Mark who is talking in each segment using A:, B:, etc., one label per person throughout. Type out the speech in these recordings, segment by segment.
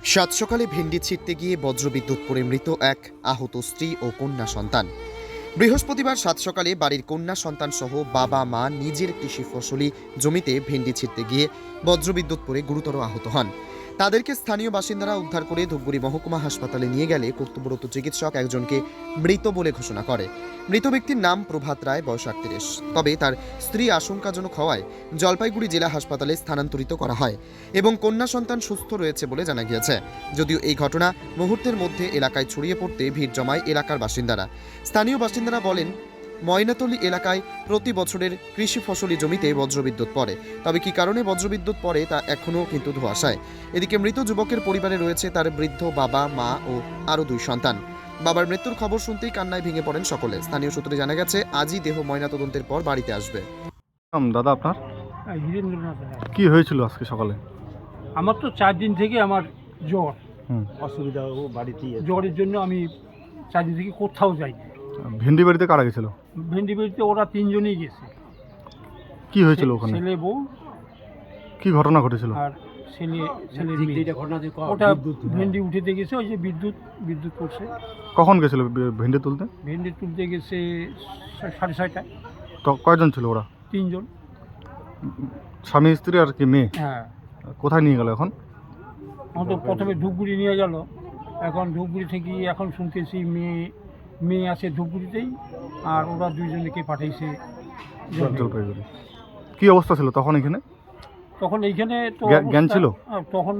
A: সাত সকালে ভেন্ডি ছিঁড়তে গিয়ে বজ্রবিদ্যুৎ পড়ে মৃত এক আহত স্ত্রী ও কন্যা সন্তান। বৃহস্পতিবার সাত সকালে বাড়ির কন্যা সন্তান সহ বাবা মা নিজের কৃষি ফসলি জমিতে ভেন্ডি ছিঁড়তে গিয়ে বজ্রবিদ্যুৎ পড়ে গুরুতর আহত হন। তাদেরকে স্থানীয় বাসিন্দারা উদ্ধার করে ধূপগুড়ি মহকুমা হাসপাতালে নিয়ে গেলে কর্তব্যরত চিকিৎসক একজনকে মৃত বলে ঘোষণা করে। মৃত ব্যক্তির নাম প্রভাত রায়, বয়স ৩৮। তবে তার স্ত্রী আশঙ্কাজনক হওয়ায় জলপাইগুড়ি জেলা হাসপাতালে স্থানান্তরিত করা হয় এবং কন্যা সন্তান সুস্থ রয়েছে বলে জানা গিয়েছে। যদিও এই ঘটনা মুহূর্তের মধ্যে এলাকায় ছড়িয়ে পড়তে ভিড় জমায় এলাকার বাসিন্দারা। স্থানীয় বাসিন্দারা বলেন, ময়নাতলী এলাকায় প্রতি বছরের কৃষি ফসলি জমিতে বজ্রবিদ্যুৎ পড়ে, তবে কি কারণে বজ্রবিদ্যুৎ পড়ে তা এখনও কিন্তু ধোঁয়াশায়। এদিকে মৃত যুবকের পরিবারে রয়েছে তার বৃদ্ধ বাবা, মা ও আরও 2 সন্তান। বাবার মৃত্যুর খবর শুনতেই কান্নায় ভেঙে পড়েন সকলে। স্থানীয় সূত্রে জানা গেছে আজই দেহ ময়নাতদন্তের পর বাড়িতে আসবে।
B: দাদা, আপনার
C: হীরেন্দ্রনাথ রায়।
B: কি হয়েছিল আজকে সকালে?
C: আমার তো 4 দিন থেকে আমার জ্বর,
D: অসুবিধা ও বাড়িতেই আছে।
C: জ্বরের জন্য আমি 4 দিন থেকে কোথাও যাইনি।
B: ভেন্ডি বাড়িতে কারা গেছিল?
C: ভেন্ডি বাড়িতে ওরা 3 জনই গেছে।
B: কি হয়েছিল ওখানে?
C: ছেলে, বউ
B: কি ঘটনা ঘটেছিল?
C: আর ছেলের মেয়ে। ওটা ভেন্ডি উঠেতে গেছে, ওই যে বিদ্যুৎ করছে।
B: কখন গেছিল ভেন্ডি তুলতে?
C: ভেন্ডি তুলতে গেছে 6:30টায়।
B: তো কয়জন ছিল ওরা?
C: 3 জন।
B: স্বামী, স্ত্রী আর কি মেয়ে?
C: হ্যাঁ।
B: কোথায় নিয়ে গেল এখন?
C: আমাদের প্রথমে ধূপগুড়ি নিয়ে গেল। এখন ধূপগুড়ি থেকে এখন শুনতেছি মেয়ে আছে ধূপগুড়িতেই, আর ওরা 2 জনকে পাঠাইছে
B: জলপাইগুড়ি। কি অবস্থা ছিল তখন এখানে?
C: তখন এইখানে তো
B: জ্ঞান ছিল?
C: তখন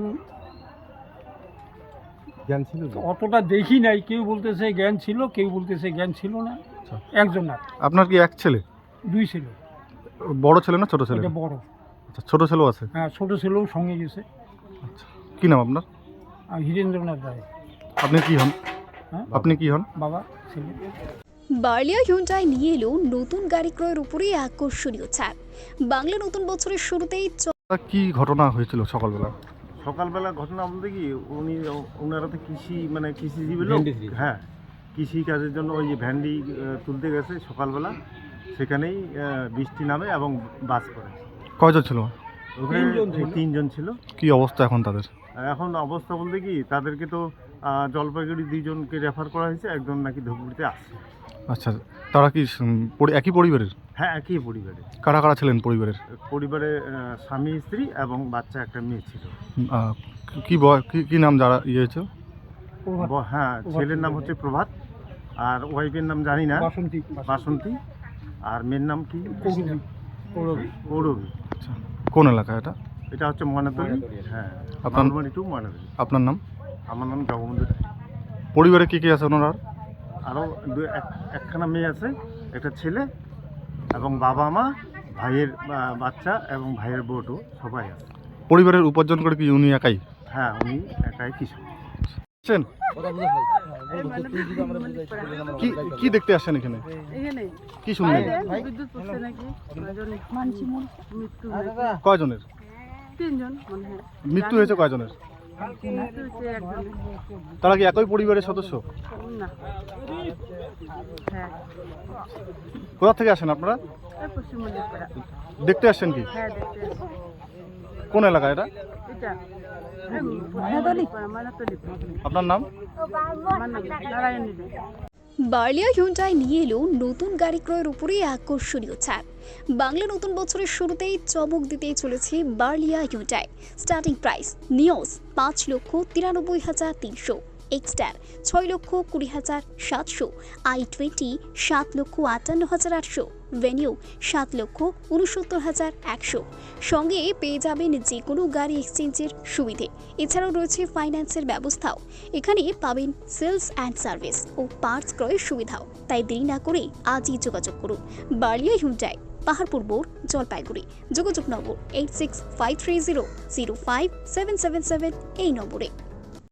D: জ্ঞান ছিল?
C: অতটা দেখি নাই। কেউ বলতেছে জ্ঞান ছিল, কেউ বলতেছে জ্ঞান ছিল না। একজন না,
B: আপনার কি এক ছেলে?
C: 2 ছেলে।
B: বড় ছেলে না ছোট ছেলে?
C: এটা বড়।
B: আচ্ছা, ছোট ছেলেও আছে?
C: হ্যাঁ, ছোট ছেলেও সঙ্গে গেছে।
B: আচ্ছা, কি নাম আপনার?
C: আর হীরেন্দ্রনাথ রায়।
B: আপনি কি হন?
C: হ্যাঁ,
B: আপনি কি হন?
C: বাবা, ছেলে।
E: বার্লিয়া হিউন্ডাই নিয়ে এলো নতুন গাড়ি ক্রয়ের উপরে আকর্ষণীয় ছাড়। বাংলা নতুন বছরের শুরুতেই
B: কি ঘটনা হয়েছিল সকালবেলা?
D: সকালবেলা ঘটনা বলতে কি, ওনারা তো কৃষিজীবী লোক। হ্যাঁ, কৃষি কাজের জন্য ওই যে ভেন্ডি তুলতে গেছে সকালবেলা। সেখানেই বৃষ্টি নামে এবং বাস করে।
B: কয়জন ছিল?
D: ওখানে 3 জন ছিল।
B: কি অবস্থা এখন তাদের?
D: এখন অবস্থা বলতে কি, তাদেরকে তো জলপাইগুড়ি 2 জনকে রেফার করা হয়েছে, একজন নাকি ধূপগুড়িতে আসছে।
B: আচ্ছা, তারা কি একই পরিবারের?
D: হ্যাঁ, একই পরিবারে।
B: কারা কারা ছিলেন পরিবারের?
D: স্বামী, স্ত্রী এবং বাচ্চা একটা মেয়ে ছিল।
B: কি নাম যারা হয়েছে?
D: হ্যাঁ, ছেলের নাম হচ্ছে প্রভাত, আর ওয়াইফের নাম জানি না, বাসন্তী। আর মেয়ের নাম কি? পৌরবী।
B: আচ্ছা, কোন এলাকা এটা?
D: এটা হচ্ছে ময়নাতলী। হ্যাঁ,
B: আপনার
D: ময়নাতলী।
B: আপনার নাম?
D: আমার নাম জগবন্ধু রায়।
B: পরিবারে কি কি আছে ওনার?
D: আরও একখানা মেয়ে আছে, একটা ছেলে এবং বাবা, মা, ভাইয়ের বাচ্চা এবং ভাইয়ের বউটো সবাই আছে।
B: পরিবারের উপার্জন করে কি উনি একাই?
D: হ্যাঁ, উনি একাই কৃষক।
B: কি দেখতে আসছেন এখানে? কি শুনলেন? কয়জনের মৃত্যু হয়েছে? কয়জনের? তারা কি একই পরিবারের সদস্য? কোথা থেকে আসেন আপনারা? দেখতে আসছেন কি? কোন এলাকা এটা? আপনার নাম?
E: বার্লিয়া হিউন্ডাই নিয়ে এলো নতুন গাড়ি ক্রয়ের উপরে আকর্ষণীয় ছাড়। বাংলা নতুন বছরের শুরুতেই চমক দিতেই চলেছে Barlia Hyundai. Starting price Nios 5,93,300, Exter 6,20,700, i20 7,58,800, Venue 7,69,100। সঙ্গে পেয়ে যাবেন যে কোনো গাড়ি এক্সচেঞ্জের সুবিধে। এছাড়াও রয়েছে ফাইন্যান্সের ব্যবস্থাও। এখানে পাবেন সেলস অ্যান্ড সার্ভিস ও পার্টস ক্রয়ের সুবিধাও। তাই দেরি না করে আজই যোগাযোগ করুন। বার্লিয়া হিউন্ডাই, পাহাড়পুর মোড়, জলপাইগুড়ি। যোগাযোগ নম্বর 8653000577 এই নম্বরে।